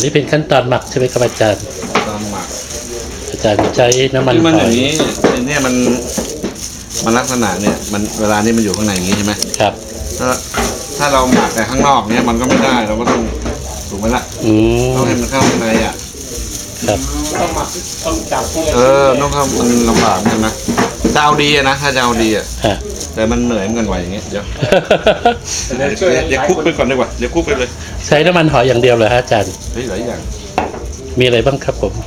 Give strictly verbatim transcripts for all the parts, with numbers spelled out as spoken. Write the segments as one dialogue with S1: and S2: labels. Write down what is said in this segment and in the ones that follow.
S1: นี้เป็นขั้นตอนหมักใช่ไหมครับอาจารย์
S2: ตอนหมัก
S1: อาจารย์ใช้น้ำมันหอย
S2: มันอย่างนี้เนี่ยมันมันลักษณะเนี่ยมันเวลานี้มันอยู่ข้างในอย่างนี้ใช่ไหม
S1: ครับ
S2: ถ้าถ้าเราหมักแต่ข้างนอกเนี่ยมันก็ไม่ได้เราก็ต้องถูกไหมล่ะ
S1: อืม
S2: ต้องให้มันเข้าข้างในอ่ะ
S1: ครับ
S3: ต้องหมักต้องจับ
S2: เออต้องเข้ามันลำบากใช่ไหมจะเอาดีอะนะถ้าจะเอาดีอะแต่มันเหนื่อยมันกันไหวอย่างเงี้ยเดี๋ยวเดี๋ยวคุกไปก่อนดีกว่าเดี๋ยวคุกไปเลย
S1: ใช้น้ำมันหอยอย่างเดียวเลยฮะอาจารย์
S2: เฮ้ยหลายอย่าง
S1: มีอะไรบ้างครับผม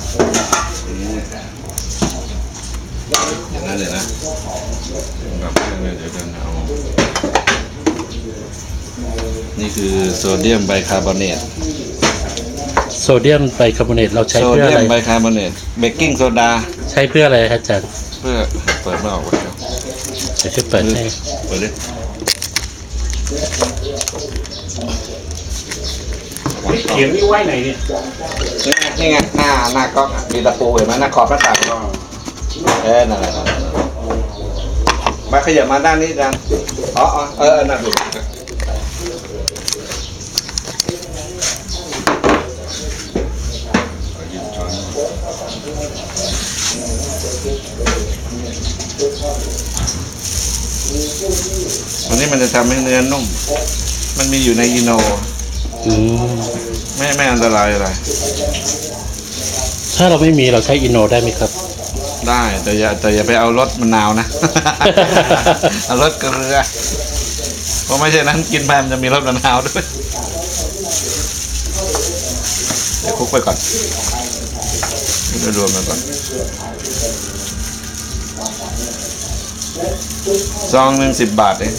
S2: อย่างนั้นเลยนะกับเครื่องเลยเดี๋ยวกันเอานี่คือโซเดียมไบคาร์บอเนต
S1: โซเดียมไบคาร์บอเนตเราใช้
S2: โซ
S1: เพื่ออะไร
S2: เดียมไบคาร์บอเนตเบกกิ้งโซดา
S1: ใช้เพื่ออะไรครับอาจารย์
S2: เพื่อเปิดไม่ออกวะเดี๋ยว
S1: เดี๋ยวจะเปิดให้
S2: เปิดดิ
S3: เขียงนี่ไว้ไหนเนี่ย
S2: นี่ไงหน้าหน้าก๊อกมีตะปูเห็นไหมหน้าขอบหน้าต่างเออนั่นแหละมาขยับมาด้านนี้กันอ๋อเออนั่นดูอันนี้มันจะทำให้เนื้อนุ่มมันมีอยู่ในอิโน
S1: อืม
S2: ไม่ไม่อันตรายอะไร
S1: ถ้าเราไม่มีเราใช้อิโนได้ไหมครับ
S2: ได้แต่อย่าแต่อย่าไปเอารสมะนาวนะ เอารสเกลือเพราะไม่ใช่นั้นกินไปมันจะมีรสมะนาวด้วยเดี๋ยวคลุกไปก่อนเดี๋ยวรวมไปก่อนซองหนึ่งสิบบาทเอง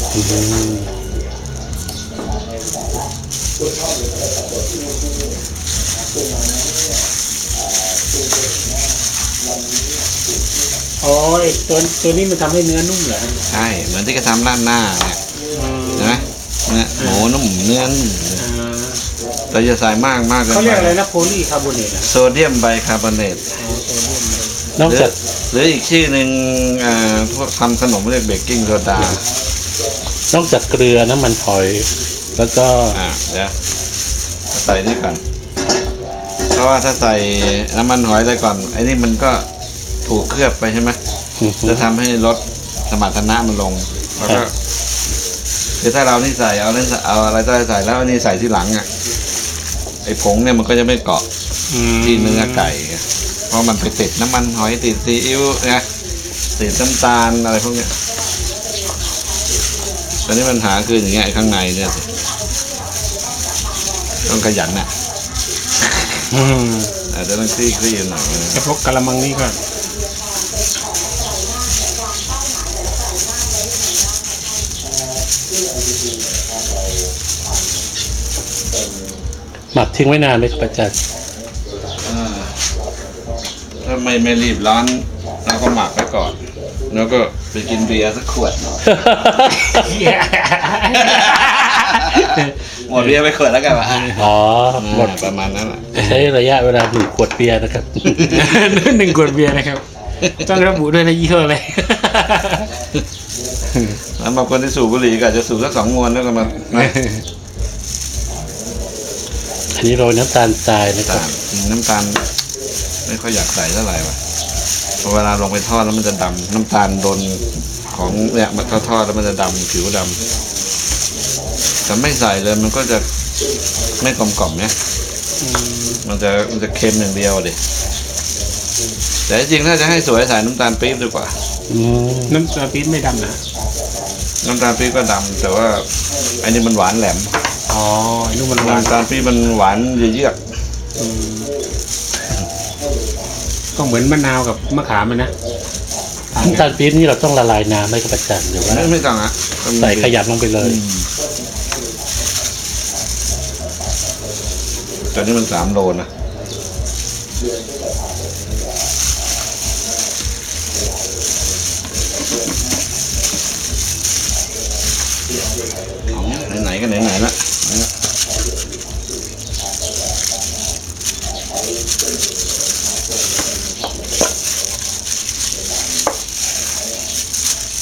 S3: โอ้ยตัวตัวนี้มันทำให้เนื้อนุ่มเหรอ
S2: ใช่เหมือนที่กระทำร้านหน้าเนี่ยนะเนี่ยหมูนุ่มเนื้อนุ่มแต่จะใส่มากมากเลย
S3: เขาเรียกอะไรนะโพลีคาร์บอเนต
S2: โซเดียมไบคาร์บอเนต
S1: นอกจาก
S2: หรืออีกชื่อหนึ่งพวกทำขนมเรียกเบกกิ้งโซดาน
S1: อกจากเกลือน้ำมันหอยแล้วก็
S2: อ่าเดี๋ยวใส่นี่ก่อนเพราะว่าถ้าใส่น้ำมันหอยไปก่อนไอ้นี่มันก็ถูกเคลือบไปใช่ไหมจะทำให้ลดสมรรถนะมันลงแล้วก็คือถ้าเรานี่ใส่เอาเล่นเอาอะไรก็ใส่แล้วนี่ใส่ที่หลังอ่ะไอ้ผงเนี่ยมันก็จะไม่เกาะที่เนื้อไก่เพราะมันไปติดน้ำมันหอยติดซีอิ๊วนะติดน้ำตาลอะไรพวกเนี้ยตอนนี้ปัญหาคืออย่างเงี้ยข้างในเนี่ยต้องขยันน่ะอาจจะต้องคลี่คลี่หน่อย
S3: กระพกกระมังนี่ก่อน
S1: หมักทิ้งไว้นานไหมครับอาจารย์
S2: ถ้าไม่ไม่รีบร้อนเราก็หมักไว้ก่อนแล้วก็ไปกินเบียร์สักขวดหมดเบียร์ไปขวดแล้วกันวะ
S1: อ๋อหมด
S2: ประมาณนั้นแหละ
S1: ใช้ระยะเวลาหนึ่งขวดเบียร์นะครับ
S3: หนึ่งขวดเบียร์นะครับต้องระบุด้วยนะยี่ห้ออะไร
S2: แล้วบางคนที่สูบบุหรี่ก็อาจจะสูบสักสองมวนแล้วก็มา
S1: อันนี้โรยน้ำตาลทรายนะครับ
S2: น้ำตาลไม่ค่อยอยากใส่เท่าไหร่ว่ะพอเวลาลงไปทอดแล้วมันจะดำน้ำตาลโดนของเนี่ยมันทอดแล้วมันจะดำผิวดำแต่ไม่ใส่เลยมันก็จะไม่กลมกล่อมเนี่ยมันจะมันจะเค็มอย่างเดียวดิแต่จริงถ้าจะให้สวยใส่น้ำตาลปี๊บดีกว่า
S3: น้ำตาลปี๊บไม่ดำนะ
S2: น้ำตาลปี๊บก็ดำแต่ว่าอันนี้มันหวานแหลม
S3: อ๋อนุ่มมัน
S2: น้ำตาลปี๊บมันหวานเยือก
S3: ก็เหมือนมะนาวกับมะขามมันนะ
S1: น้ำตาลปี๊บนี่เราต้องละลายน้ำไม่กระจัดหรือว่า
S2: ไม่ไม่ต้องอ่ะ
S1: ใส่ขยับลงไปเลย
S2: ตอนนี้มันสามโลนะไหนๆก็ไหนๆละ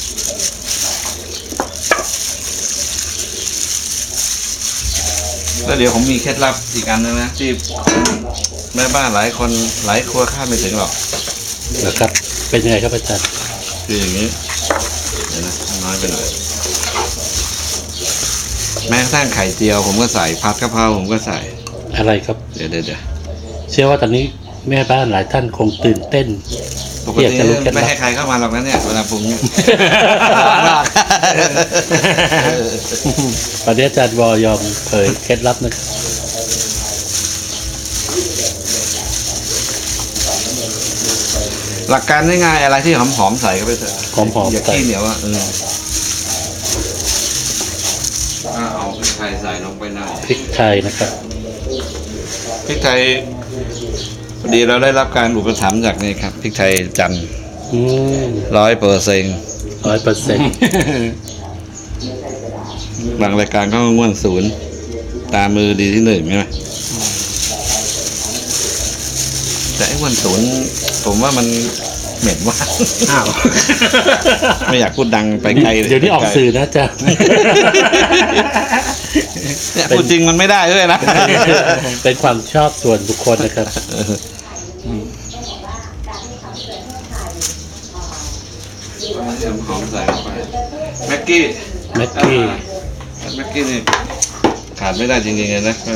S2: แล้วแล้วเดี๋ยวผมมีเคล็ดลับอีกอันนึงนะที่แม่บ้านหลายคนหลายครัวคาดไม่ถึงหรอก
S1: นะครับ เป็นยังไงครับอาจารย์
S2: คืออย่างนี้เดี๋ยวนะน้อยไปหน่อยแม้กระทั่งไข่เจียวผมก็ใส่ผัดกะเพราผมก็ใส่
S1: อะไรครับ
S2: เดี๋ยวเดี๋ยวเดี๋ยว
S1: เชื่อว่าตอนนี้แม่บ้านหลายท่านคงตื่นเต้น
S2: ปก
S1: อยาก
S2: ติ
S1: จะรู้เคล็ดลับ
S2: ไม่ให้ใครเข้ามาหรอกนะเนี่ยเวลาปรุงเนี่ย
S1: ตอนนี้อาจารย์วอยอมเผยเคล็ดลับนะครับ
S2: หลักการง่ายๆอะไรที่หอมๆใส่เข้าไปเถอะ
S1: หอมๆ
S2: อย่า
S1: ใส่
S2: ขี้เหนียวอ่ะเอออ่ะเอาพริกไทยใส่ลงไปหน่อย
S1: พริกไทยนะครับ
S2: พริกไทยพอดีเราได้รับการอุปถัมภ์จากนี่ครับพริกไทยจันทร์
S1: อืม
S2: ร้อยเปอร์เซ็นต์
S1: ร้อยเปอร์เซ็นต์
S2: บางรายการก็ง่วนศูนย์ตามมือดีที่หนึ่งใช่ไหมแต่ไอ้ง่วนศูนย์ผมว่ามันเหม็นว่าก
S3: อ้าว
S2: ไม่อยากพูดดังไปไกลเลย
S1: เดี๋ยวนี้ออกสื่อนะอาจารย์
S2: เนี่ยพูดจริงมันไม่ได้ด้วยนะ
S1: เป็นความชอบส่วนบุคคลนะครับ
S2: หอมใส่ลงไปแม็กกี้
S1: แม็กกี้
S2: แม็กกี้นี่ขาดไม่ได้จริงๆเลยนะ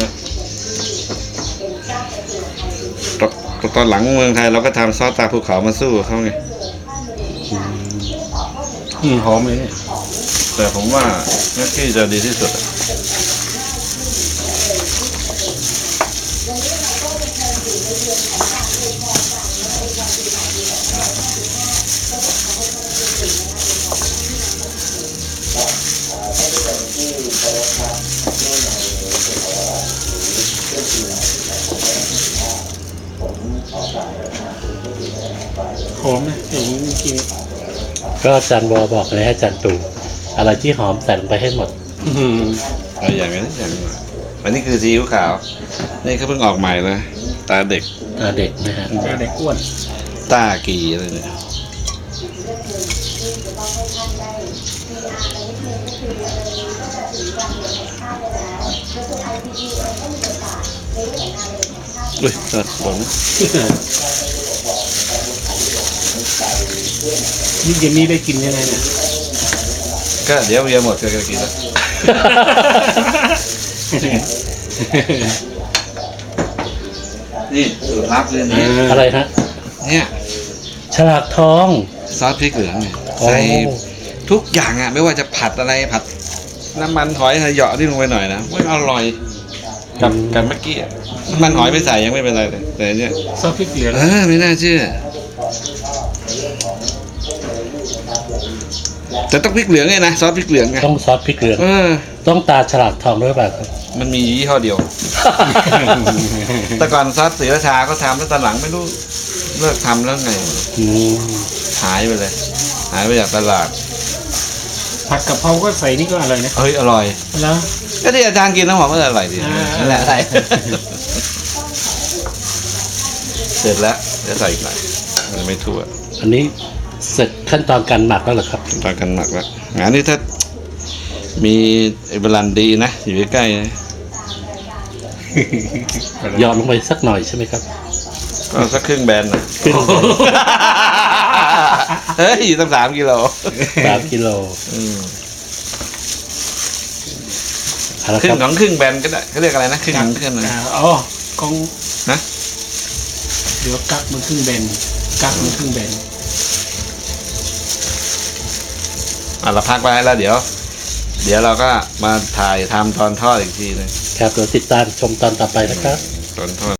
S2: ตอนตอนหลังเมืองไทยเราก็ทำซอสตาภูเขามาสู้เขาไง
S3: อืมหอมเลยเนี่ย
S2: แต่ผมว่าแม็กกี้จะดีที่สุดอะ
S3: หอมนะอย่างนี้เมื่อกี้
S1: ก็อาจารย์วอบอกเลยให้อาจารย์ตู่อะไรที่หอมใส่ลงไปให้หมด
S3: อืม
S2: เอาอย่างนี้อย่างนี้อันนี้คือซีอิ๊วขาว นี่เขาเพิ่งออกใหม่เลยตาเด็ก
S1: อ่าเด็กนะฮะ
S3: ก็ได้อ้วน
S2: ตากีอะไรเนี่ยอุ้ยเออหลง
S3: นี่เย็นนี้ได้กินยังไงเนี่ย
S2: ก็เดี๋ยวเบียร์หมดก็จะกินแล้วนี่สูตรลับเลยนะ
S1: อะไรฮะ
S2: เนี่ย
S1: ฉลากทอง
S2: ซอสพริกเหลืองเนี่ย
S1: โอ้
S2: ใส่ทุกอย่างอ่ะไม่ว่าจะผัดอะไรผัดน้ำมันหอยเหยาะที่ลงไปหน่อยนะมันอร่อยกับกับเมื่อกี้อะน้ำมันหอยไม่ใส่ยังไม่เป็นไรเลยแต่เนี่ย
S3: ซอสพริกเหลือง
S2: เออไม่น่าเชื่อแต่ต้องพริกเหลืองไงนะซอสพริกเหลืองไง
S1: ต้องซอสพริกเหลือง
S2: เออ
S1: ต้องตาฉลากทองด้วยเปล่าครับ
S2: มันมียี่ห้อเดียว แต่ก่อนซอสศรีราชาก็ทำแล้วตอนหลังไม่รู้เลิกทำแล้วไง
S1: อืม
S2: หายไปเลย หายไปจากตลาด
S3: ผัดกะเพราก็ใส่นี่ก็อร่อยนะ
S2: เฮ้ยอร่อย
S3: แล้ว
S2: ก็ที่อาจารย์กินน้ำหอมก็อร่อยดี
S3: อ่า
S2: นั่นแหละใส่ เสร็จแล้วจะใส่อีกหน่อยมันไม่ทั่ว
S1: อันนี้เสร็จขั้นตอนการหมักแล้วเหรอครับ
S2: ตอนกันหมักแล้วงานนี้ถ้ามีไอ้บรันดีนะอยู่ใกล้ๆนะ
S1: หยอดลงไปสักหน่อยใช่ไหมครับ
S2: ก็สักครึ่งแบนนะ
S1: ครึ่ง
S2: เฮ้ยตั้งสามกิโล
S1: สามกิโล
S2: อืม
S1: เอาละ
S2: ครึ่
S1: ครั
S2: ง
S1: บ
S2: ของครึ่งแบนก็ได้เขาเรียกอะไรนะครึ่งของครึ่งเลย
S3: อ่าอ๋อกอง
S2: นะ
S3: เดี๋ยวกักมันครึ่งแบนกักมันครึ่งแบน
S2: อ่ะเราพักไว้แล้วเดี๋ยว เดี๋ยวเราก็มาถ่ายทำตอนทอดอีกทีหนึง
S1: ครับเดี๋ยวติดตามชมตอนต่อไปนะครับ
S2: ตอนทอด